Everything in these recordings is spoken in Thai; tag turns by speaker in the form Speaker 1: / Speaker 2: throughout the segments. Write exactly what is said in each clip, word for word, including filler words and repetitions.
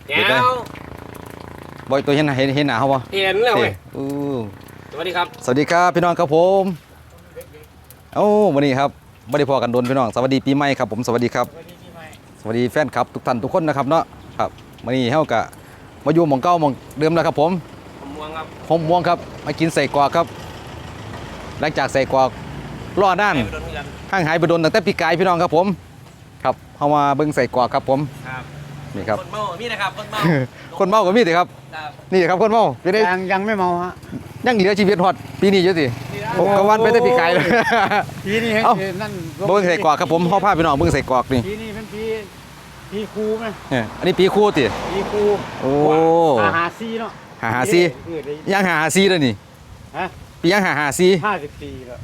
Speaker 1: แก้ว
Speaker 2: บ่อยตัวเห็นเห็นเห็นหนาเขาบ่
Speaker 1: เห็นแล้วเว้ยสวัสดีครับ
Speaker 2: สวัสดีครับพี่น้องครับผมโอ้วันนี้ครับไม่ได้พอกันโดนพี่น้องสวัสดีปีใหม่ครับผมสวัสดีครับสวัสดีแฟนคลับทุกท่านทุกคนนะครับเนาะครับวันนี้เฮากะมาอยู่หม่องเก่าหม่องเดิมแล้วครับผม
Speaker 1: ผมม่วงครับ
Speaker 2: ผมม่วงครับมากินใส่กรอกครับหลังจากใส่กรอกล่อด้านห่างหายไปโดนตั้งแต่ปีกายพี่น้องครับผมครับเข้ามาเบิ่งใส่กรอกครับผม
Speaker 1: ครับ
Speaker 2: นี่ครับ
Speaker 1: คนเมามีนะครับคนเมา
Speaker 2: คนเมาก็มีสิครับนี่ครับคนเมา
Speaker 3: ยังยังไม่เมาฮะ
Speaker 2: ยังเหลือชีวิตฮอดปีนี้อยู่สิผมกวันไปแต่ปีกายเลย
Speaker 3: ปีนี้ให้นั่น
Speaker 2: เบิ่งใส่กรอกครับผมเข้าผ้าพี่น้องเบิ่งใส่กรอกนี่
Speaker 3: ปีนี้เป็นปีปีครูไหม
Speaker 2: เนี่ยอันนี้ปีครูติ
Speaker 3: ปีครู
Speaker 2: โอ้
Speaker 3: หาหาซีเนาะ
Speaker 2: หาหาซียังหาหาซีเลยนี่
Speaker 3: ฮะ
Speaker 2: ปียังหาหาซี
Speaker 3: ห้าสิบปีแล้ว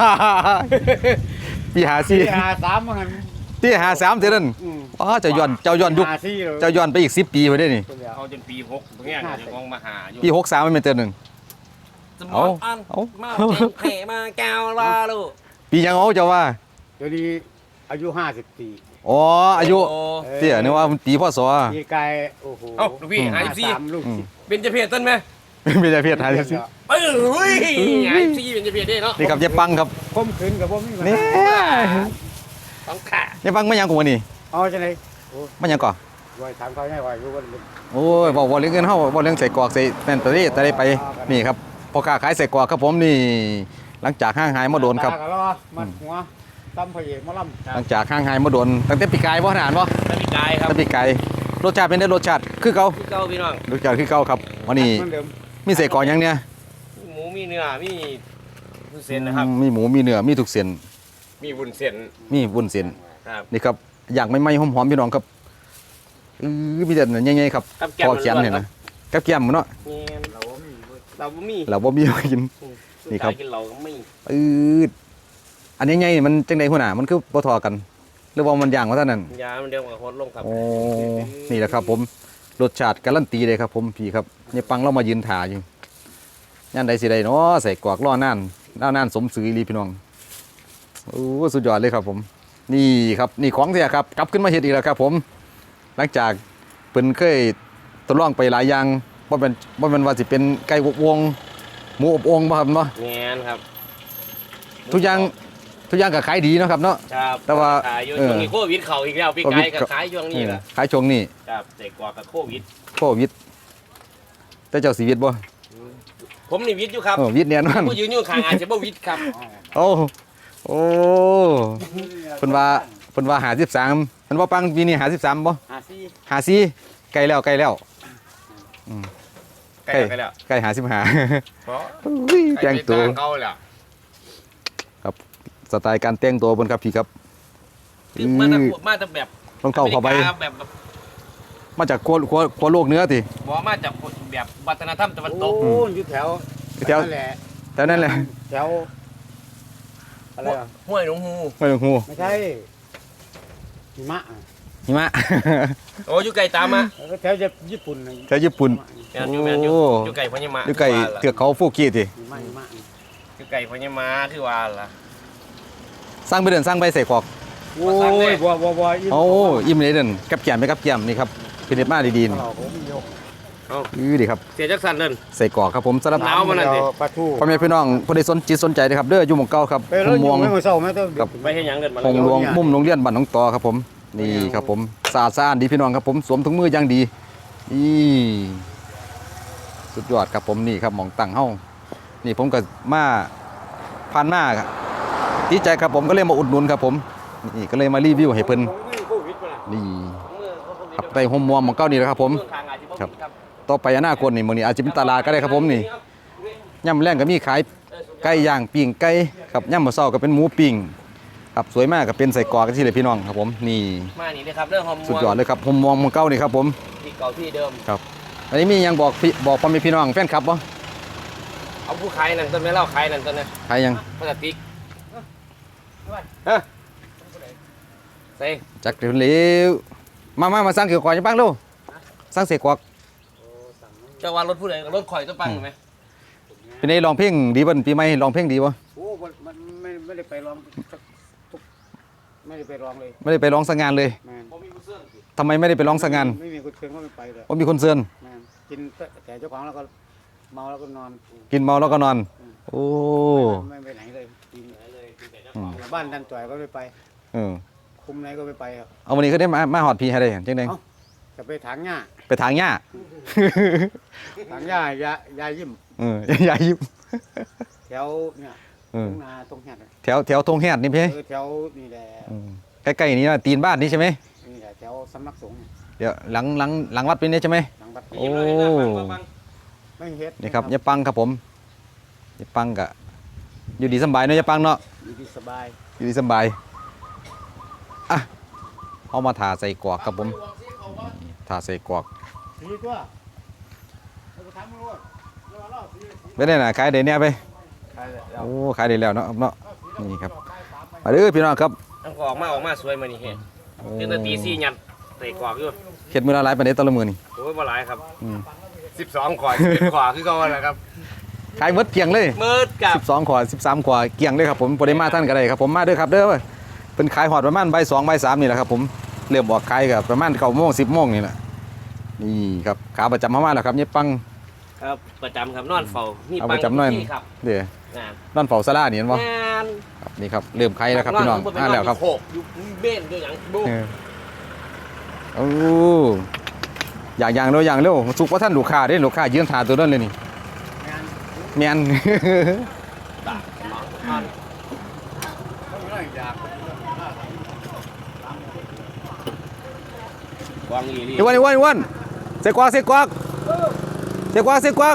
Speaker 2: ปีหาซี
Speaker 3: หาสามมั้ง
Speaker 2: ปีหาสามเท่านั้นอ๋อเจ้าย้อนเจ้าย้อนยุคเจ้าย้อนไปอีกสิบปีไปได้นี่
Speaker 1: เขาจนปีหกตรงนี้จะมองมาหาอยู่
Speaker 2: ปีหกสามไม่เป็นเท่านึง
Speaker 1: เอาเอามาเข่มาแก้วลาลูก
Speaker 2: ปียังเอาเจ้าว่า
Speaker 3: เดี๋ยวนี้อายุห้าสิบปี
Speaker 2: อ๋ออายุเตี้ยนี่ว่าปีพ่อสอ
Speaker 3: ปีกายโอ้โห
Speaker 1: เอ้าลูกพี่หาสิบสี่เป็นจะเพียรต้นไหม
Speaker 2: เป็นจะเพียรหาสิบสี่
Speaker 1: เอ้ยหาสิบสี่เป็นจะเพียรได้เนาะ
Speaker 2: นี่ครับเจ๊ปังครับ
Speaker 3: คมขืนกับผม
Speaker 2: นี่
Speaker 1: ต้องขา
Speaker 2: เจ๊ปังไม่ยังกูนี่
Speaker 3: อ๋อใช่ไหม
Speaker 2: ไม่ยังก่อ
Speaker 3: ไว้ถามเขาให้ไว้รู้ว่า
Speaker 2: โอ้ยบอกว่าเรื่องเงินเฮาบอกเรื่องใส่กรอกใส่แน่นตะลี่ตะลี่ไปนี่ครับพอค้าขายใส่กรอกครับผมนี่หลังจากห้างหายมาโดนครับ
Speaker 3: มัดหัวตั้มพเอกมาล่
Speaker 2: ำหลังจากห้างหายมาโดนตั้งแต่ปีกายบ่ทานบ่
Speaker 1: ตั้งปีกายครับ
Speaker 2: ตั้งปีกายรสชาติเป็นได้รสชาติคือเก่า
Speaker 1: คือเก่าพี่น้อง
Speaker 2: รสชาติคือเก่าครับวันนี้มีใส่กรอกยังเนี่ย
Speaker 1: หมูมีเนื้อมีวุ้นเส้นนะครับ
Speaker 2: มีหมูมีเนื้อมีทุกเส้น
Speaker 1: มีวุ้นเส้น
Speaker 2: มีวุ้นเส้น
Speaker 1: ครับ
Speaker 2: นี่ครับอยากไม่ไม่หอมๆพี่น้องครับอือมีแต่ใหญ่ๆครับพอเขียนเห็นนะกับแก้มเนาะ
Speaker 1: เราบ่มีเราบ่มี
Speaker 2: เราบ่มีกินนี่ครับ
Speaker 1: กินเราก็ไม่
Speaker 2: อืออันนี้ไงมันจังได๋หัวหน้ามันคือบ่ทอกันหรือว่ามันย่างว่าเท่านั้น
Speaker 1: ยามันเดียวกับโคตรลงครับ
Speaker 2: โอ้นี่แหละครับผมรสชาติการันตีเลยครับผมพี่ครับนี่ปังเรามายืนถ่าอยู่ย่านใดสิใดเนาะใส่กรอกล่อนานล่อนานสมศรีลีพี่น้องโอ้สุดยอดเลยครับผมนี่ครับนี่ของเสียครับกลับขึ้นมาเฮ็ดอีกแล้วครับผมหลังจากเพิ่นเคยทดลองไปหลายอย่างบ่เป็นบ่แม่นว่าสิเป็นไก่อบวงหมูอบโอ่งบ่ครับเนาะ
Speaker 1: แม่นครับ
Speaker 2: ทุกอย่างทุกอย่างก็ขายดีเนาะครับเนาะ
Speaker 1: ครับ
Speaker 2: แต่ว่า
Speaker 1: ขายอยู่ช่วงนี้โควิดเข้าอีกแล้วพี่ไก่ก็ขายช่วงนี้แหละ
Speaker 2: ขายช่วงนี้
Speaker 1: ครับใส่กว่ากับโควิด
Speaker 2: โควิดแต่เจ้าสิวิตบ่
Speaker 1: ผมนี่วิทย์อยู่ครับ
Speaker 2: เออวิทย์แน่นอน
Speaker 1: ผู้ยืนอยู่ข้างอาจจะบ่วิทย์ครับ
Speaker 2: โอ้โอ้เพิ่นว่าเพิ่นว่าห้าสิบสามเพิ่นว่าปังปีนี้ห้าสิบสามบ่
Speaker 3: ห้าสี่
Speaker 2: ห้าสี่ใกล้แล้วใกล้แล้วอืม
Speaker 1: ใกล้ใกล้แล้ว
Speaker 2: ใกล้ห้าสิบห้า
Speaker 1: บ่
Speaker 2: แต่งตัว
Speaker 1: เก่าแล้ว
Speaker 2: ครับสไตล์การแต่งตัวเพิ่นครับพี่ครับ
Speaker 1: มาแต่มาแต่แบบ
Speaker 2: รองเท้าผ้าใบ
Speaker 1: แบบ
Speaker 2: มาจากขั้วขั้วขั้วโลกเหนือติ
Speaker 1: บ่มาจากแบบวัฒนธรรมตะวันตก
Speaker 3: โอ้อยู่แถว
Speaker 2: แถวแถวนั้นแหละ
Speaker 3: แถวอะไรอ่ะ
Speaker 1: ห้วยหนองฮู
Speaker 2: ห้วยหนองฮู
Speaker 3: ไม่ใช่หิมะ
Speaker 2: หิมะ
Speaker 1: โอ้อยู่ไกลตามมา
Speaker 3: แถวญี่ปุ่น
Speaker 2: แถวญี่ปุ่น
Speaker 1: แม่นอยู่แม่นอยู่อยู่ไกลพญามะ
Speaker 2: อยู่ไกลเทือกเขาฟูกิติ
Speaker 1: อยู่ไกลพญามะคือว่าล่ะ
Speaker 2: สร้างไปเดินสร้างไปใส่ขอก
Speaker 3: โอ้ยบัวบัวบัว
Speaker 2: โอ้อิ่มเลยเดินกับแก้มไปกับแก้มนี่ครับเป็นเด็ดมากดีๆนี่อือดีครับ
Speaker 1: เสียจักสันเดิน
Speaker 2: ใส่กรอกครับผมสำหรับ
Speaker 1: น้ำมันนั่นสิ
Speaker 2: พ่อแม่พี่น้องผู้ใดสนจิตสนใจนะครับเด้ออยู่หมู่เก่าครับ
Speaker 3: มุมมอง
Speaker 2: กับ
Speaker 1: ไปเฮ็ดหยังเดินมา
Speaker 2: หงหลวงมุมโรงเรียนบ้านหนองตอครับผมนี่ครับผมสะอาดสะอ้านดีพี่น้องครับผมสวมถุงมืออย่างดีนี่สุดยอดครับผมนี่ครับหม่องตั้งเฮานี่ผมก็มาผ่านมาดีใจครับผมก็เลยมาอุดหนุนครับผมนี่ก็เลยมารีวิวให้เพิ่นนี่ไปโฮมมอมของเก้านี่แหละครับผมครับต่อไปอนาคตนี่มื้อนี้อาจจะเป็นตลาดก็ได้ครับผมนี่ย่ำแรงก็มีขายไก่ย่างปิ้งไก่ครับย่ำมื้อเช้าก็เป็นหมูปิ้งครับสวยมากก็เป็นใส่กรอกกันที่เลยพี่น้องครับผมนี่
Speaker 1: มานี่เลยครับเรื่องโฮมมอม
Speaker 2: สุดยอดเลยครับโฮมมอมของเก้านี่ครับผม
Speaker 1: ที่เก่าที่เดิม
Speaker 2: ครับอันนี้มียังบอกบอกพ่อแม่พี่น้องแฟนคลับบ่
Speaker 1: เอาผู้ขายนั่นต้นไม่เล่าขายนั่นต้นนะ
Speaker 2: ขายยัง
Speaker 1: พลาสติกฮะใส่
Speaker 2: จักเร็วมามามาสร้างเกี่ยวกับยังปังลูกสร้างเสกกวัก
Speaker 1: จะว่ารถผู้ใดรถข่อยจะปังไหม
Speaker 2: เป็นไงลองเพลงดีบ่ปีใหม่ลองเพลงดีบ่
Speaker 3: โอ้มันไม่ไม่ได้ไปร้องไม่ได้ไปร้องเลย
Speaker 2: ไม่ได้ไปร้องสักงานเลยทำไมไม่ได้ไปร้องสักงาน
Speaker 3: ไม่มีคนเชิญเขาไม่ไปเลย
Speaker 2: ว่ามีคนเชิญ
Speaker 3: แม่นกินแต่เจ้าของแล้วก็เมาแล้วก็นอน
Speaker 2: กินเมาแล้วก็นอน โอ้
Speaker 3: ไม่ไปไหนเลยกิน
Speaker 1: เลยกินแต่เจ้า
Speaker 2: อื
Speaker 1: ข
Speaker 2: ม
Speaker 1: อง
Speaker 3: บ้านดันจ่อยก็ไม่ไป
Speaker 2: เออ
Speaker 3: คุมไหนก็ไม่ไปครับ
Speaker 2: เอาวันนี้ก็ได้มามาหอดพี่ให้ได้จังได๋
Speaker 3: เอ้า จะไปถางหญ้า
Speaker 2: ไปทางหญ้า
Speaker 3: ถางหญ้ายายายิ้ม
Speaker 2: เออ อย่ายิบ
Speaker 3: แถวเนี่ย
Speaker 2: เออ
Speaker 3: ทุ่งนาตรงแหดอะ
Speaker 2: แถวแถวทงแฮดนี่พี่
Speaker 3: เออแถวนี่แหละ
Speaker 2: อืมใกล้ๆนี่นะตีนบ้านนี่ใช่ไหม
Speaker 3: นี่แหละแถวสำนักสงฆ์เนี่ย
Speaker 2: เดี๋ยวหลังหลังหลังวัดเป็นนี่ใช่ไหม
Speaker 3: หลังวัด
Speaker 2: โอ้
Speaker 3: ไม่เฮ็ด
Speaker 2: นี่ครับยายปังครับผมยายปังกะอยู่ดีสำบายเนาะยายปังเนาะ
Speaker 3: อยู่ดีสบาย
Speaker 2: อยู่ดีสำบายอ่ะเอามาถาใส่กรอกครับผมถาใส่กรอก
Speaker 3: สีตัวเราไปทำมันรู้เราเล่าสีสี
Speaker 2: ไม่ได้น่ะขายได้เนี่ยไป
Speaker 3: ใช่แล้ว
Speaker 2: โอ้ขายได้แล้วเนาะเนาะนี่ครับมาเด้อพี่น้องครับ
Speaker 1: ต้องออกมาออกมาสวยมานี่เห็น
Speaker 2: โอ้
Speaker 1: ตื่นแต่ตีสี่ยันเตะกวากอยู่
Speaker 2: เข็ดมือละหลายปานใดตะละมือนี่
Speaker 1: โอ้ยมาหลายครับ
Speaker 2: อืม
Speaker 1: สิบสองขวาสิบขวาคือเขาอะไรครับ
Speaker 2: ขายหมดเกลี้ยงเลย
Speaker 1: มืดกับ
Speaker 2: สิบสองขวาสิบสามขวาเกลี้ยงเลยครับผมบ่ได้มาท่านก็ได้ครับผมมาเด้อครับเด้อเป็นขายหอดประมาณบ่ายสองบ่ายสามนี่แหละครับผมเริ่มออกขายกับประมาณเก้าโมงสิบโมงนี่แหละนี่ครับขาประจำเข้ามาแล้วครับยายปัง
Speaker 1: ครับประจำครับนอนเฝ้ามี
Speaker 2: เอา
Speaker 1: ปั
Speaker 2: ไป
Speaker 1: ง
Speaker 2: จำหน่อย
Speaker 1: ที่ครับ
Speaker 2: เดี๋ยว
Speaker 1: งาน
Speaker 2: นั่นเฝ้าซาลานี่เห็นบ่
Speaker 1: งาน
Speaker 2: ครับนี่ครับเริ่มขายแล้วครับพี่น้องอ่าแล้วครับ
Speaker 1: โขกอยู่เบ้นด้วยอย่างดู
Speaker 2: เออโอ้อย่างอย่างเร็วอย่างเร็วสุกว่าท่านลูกค้าเด้ลูกค้ายืนถ่าตัวนั้นเลยนี่
Speaker 3: งาน
Speaker 2: แม่น
Speaker 1: ตาหมองอ่อน
Speaker 3: ต้องเรื่องอยาก
Speaker 1: วางอีหลี
Speaker 2: อีวันอีวันอีวันเสกกวากเสกกวากเสกกวากเสกกวาก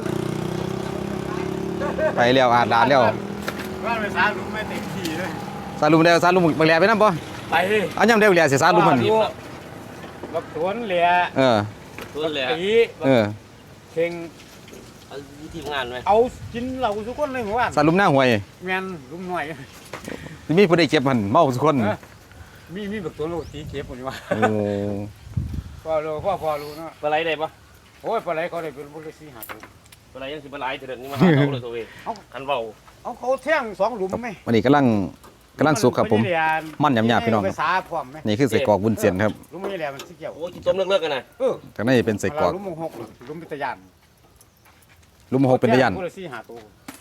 Speaker 2: ไปแล้วอาดลาดแล้ว
Speaker 3: ว่าไปสาลุมไม่เต็มที่เลย
Speaker 2: สาลุมแล้วสาลุมบักแหล่ไปนำบ่
Speaker 3: ไป
Speaker 2: อันยำได้บักแหล่สิสาลุมมัน
Speaker 3: บักสวนเหลีย
Speaker 2: เออ
Speaker 1: ตัวเลย
Speaker 3: ตี
Speaker 2: เออ
Speaker 3: เข่ง
Speaker 1: เอาทีมงานไหม
Speaker 3: เอากินเหล้าทุกคนเลยหมู่บ้าน
Speaker 2: สาลุมหน้าห้วย
Speaker 3: แมนลุมหน่อย
Speaker 2: มีผู้ใดเก็บมันเมาทุกคน
Speaker 3: เออ มีมีบักตัวลูกตีเก็บหมดนี่ว่า
Speaker 2: โอ้
Speaker 3: พ่อรู้พ่อพ่อรู้เนาะ
Speaker 1: ปลาไหลได้ปะ
Speaker 3: โอ้ยปลาไหลเขาได้เป็นบุรุษสีหาตัว
Speaker 1: ปลาไหลยังสิปลาไหลเถิดนี่มาหาเขาเลยตัวเองคันเบา
Speaker 3: เอาเขาแท่งสองหลุมไหม
Speaker 2: วันนี้กำลังกำลังสุกครับผม
Speaker 3: ไได้เรีย
Speaker 2: มันหยาบๆพี่น้อง
Speaker 3: ไปสาพร้อมไหม
Speaker 2: นี่คือใส่กรอกวุ้นเส้นครับ
Speaker 3: หลุมไม่ได้เรียมันสิเกี่ยว
Speaker 1: โอ้ยต้มเลิกๆกันนะ
Speaker 3: เออ
Speaker 2: จากนั้นจะเป็นใส่กรอก
Speaker 3: หลุมหกหลุมพิทยาน
Speaker 2: ลุมหกเป็นตะยัน
Speaker 3: บุรุษสีหาตัว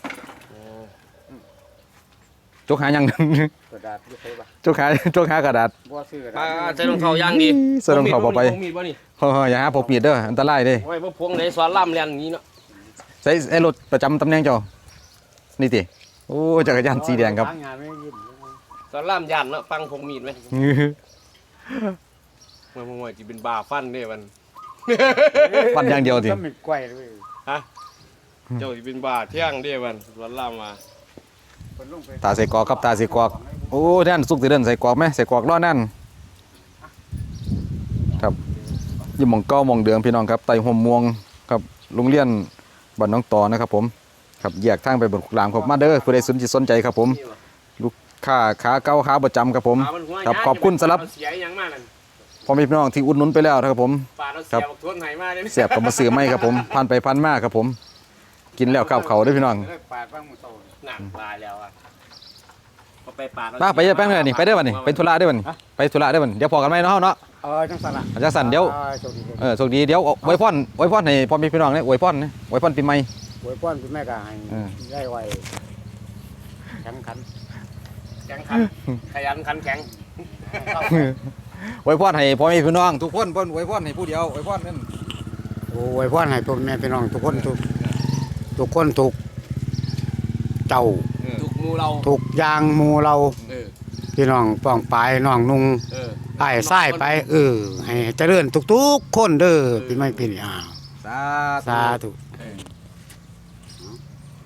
Speaker 2: จกหายัง
Speaker 3: กระดาษอยี่ใส่ปะ
Speaker 2: จกหาจกหากระดาษ
Speaker 3: บัวซื้อกระ
Speaker 1: ปลา
Speaker 3: ดาษ
Speaker 1: ใส่รองเท้าย่างดี
Speaker 2: ใส่รองเท้าบ่ไป
Speaker 1: พวงมีดบ่นี่
Speaker 2: เฮ้ยๆอย่าหาพกมีดเด้ออันตรายเด้
Speaker 1: โอ้ยพวกพวงไหนสอนล่ำเรียนอย่างนี้เนาะ
Speaker 2: ใส่ไอ้รถประจำตำแหน่งเจ้านี่ติโอ้จักรยานสีแดงครับ
Speaker 3: ทางงานไม่ยิ้ม
Speaker 1: สอนล่ำยันเนาะฟังพวงมีดไหมเมื่อเมื่อวานจะเป็นบาฟันเนี่ยมัน
Speaker 2: ฟันอย่างเดียวติ
Speaker 3: ก็มีกล้วยเลย
Speaker 1: ฮะเจ้าจะเป็นบาเที่ยงเดียมันสอนล่ำมา
Speaker 3: เพิ่นลงไป
Speaker 2: ตาใส่กรอกครับตาใส่กรอกโอ้นั่นสุกสิเดินใส่กรอกไหมใส่กรอกรอนั่นครับอยู่หม่องเก้าหม่องเดืองพี่น้องครับไต่ห่มม่วงครับโรงเรียนบ้านน้องต่อนะครับผมครับแยกทางไปบนขุกหลามครับมาเด้อผู้ใดสนจิตสนใจครับผมลูกค้าขาเก้าขาประจำครับผม
Speaker 1: ปลามันหัว
Speaker 2: ครับ
Speaker 1: ยา
Speaker 2: ขอบคุณสำหรับ
Speaker 1: เสียอย่างมากนั่น
Speaker 2: พ่อแม่พี่น้องที่อุดหนุนไปแล้วนะครับผม
Speaker 1: ปลาเรา
Speaker 2: ครั
Speaker 1: เสี
Speaker 2: บ
Speaker 1: ยบักทวนไหนมาเนี่ย
Speaker 2: เสียบกับมาซื้อไม่ครับผมพันไปพันมาครับผม กินแล้วข้าวเขาเด้วยพี่น้อง
Speaker 3: ได้ปาดบ้างมือโต
Speaker 1: หนักลายแล้วอ่ะก็ไปปลาเรา
Speaker 2: มาไปเยอะแป้งเลยนี่ไปเด้อวันนี่ไปธุระเด้อวันไปธุระเด้อวันเดี๋ยวพอกันไหมเนาะเนาะ
Speaker 3: เออจังสันละ
Speaker 2: อาจารย์สันเดี๋ยว
Speaker 3: ออโชคดีเลย
Speaker 2: เออโชคดีเดี๋ยวไว้พรไว้พรให้พ่อแม่พี่น้องเนี่ยไว้พรนะไว้พรปีใหม่
Speaker 3: อวยพรคุณแม่ก็ให้
Speaker 2: เออ
Speaker 3: ได้ไวแข็งขัน
Speaker 1: แข็งขันขยันขันแข็ง
Speaker 3: เข้า
Speaker 2: ไว้พรให้พ่อแม่พี่น้องทุกคนเพิ่นไว้พรให้ผู้เดียวไว้พรนั่น
Speaker 3: โอ้อวยพรให้พ่อแม่พี่น้องทุกคนทุกทุกคนทุกเจ้า
Speaker 1: ถูกมูเรา
Speaker 3: ทุกอย่างหมู่เรา
Speaker 1: เออ
Speaker 3: พี่น้องป้องปลายน้องนุ่ง
Speaker 1: เออ
Speaker 3: ไอ้ไส้ไปเออให้เจริญทุกๆคนเด้อพี่ไม่พี่นี่อ้าว
Speaker 2: สา
Speaker 3: สาธุ
Speaker 2: ธ